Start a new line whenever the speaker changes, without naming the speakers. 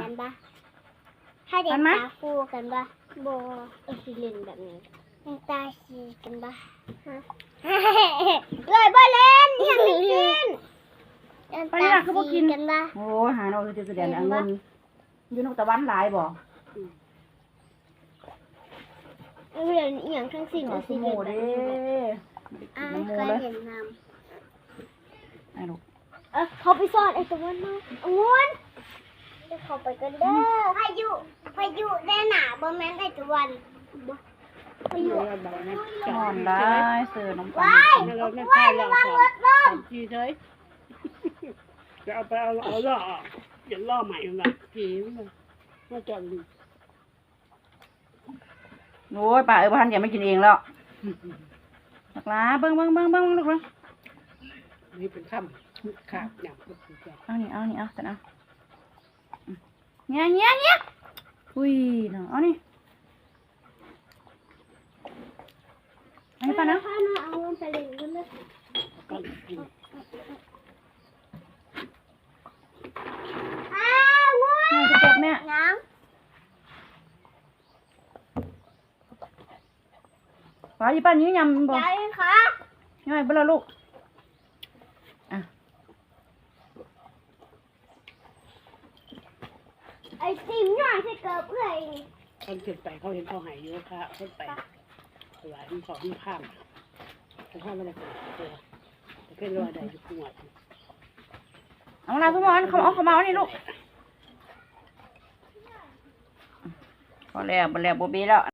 กันปะถ้าเด็กตาฟูกันปะโบสิเล่นแบบนี้ตาสีกันปะเลยบ่เล่นยังไม่กินตาสีกันปะ
โอ้หาเราจะแสดงเงินอยู่นกตะวันหลายบ่
เรียนอย่างทั้งสิ้น
สมูเด้น้ำมูเลยไอ้ลูก
เขาไปซ่อนไอ้ตะวันมาองุ่นจะเข้าไปกันเด้อพายุแน่หนาบ่แม่นไอ้ตะวันพายุ
นอนได้เสือน้ำตาล
เราไม่ใช่เราสามจีเฉยจะเอาไปเอาล่ออย่าล่อใหม่แบบผีมาจอดดู
โอ้ยป้าบ้านแกไม่กินเองแล้วหลักล้าเบิ้งลูกเลย
นี่เป็นค่ำขาดหนัก
เอานี่เอาแต่นะเงี้ยอุ้ยเนาะเอานี่ให้ป้านะ
เอาเงินไปเล่นกันเลย
แม่จะเก็บแม่ป้าป้านี้ยำบ่
ยายค่ะ
ย่อยเบลลูก
ไอติมย่อยใส่เกลือเพื่อ
คนขึ้นไปเขาเห็นเขาหายเยอะค่ะขึ้นไปหลายที่เขาที่ข้ามเขาข้ามไม่ได้ตัวแต่แค่รอได้อยู่ขวด
เอาละทุกคนเขามาเอานี่ลูกพอแล้วโบเบ้แล้ว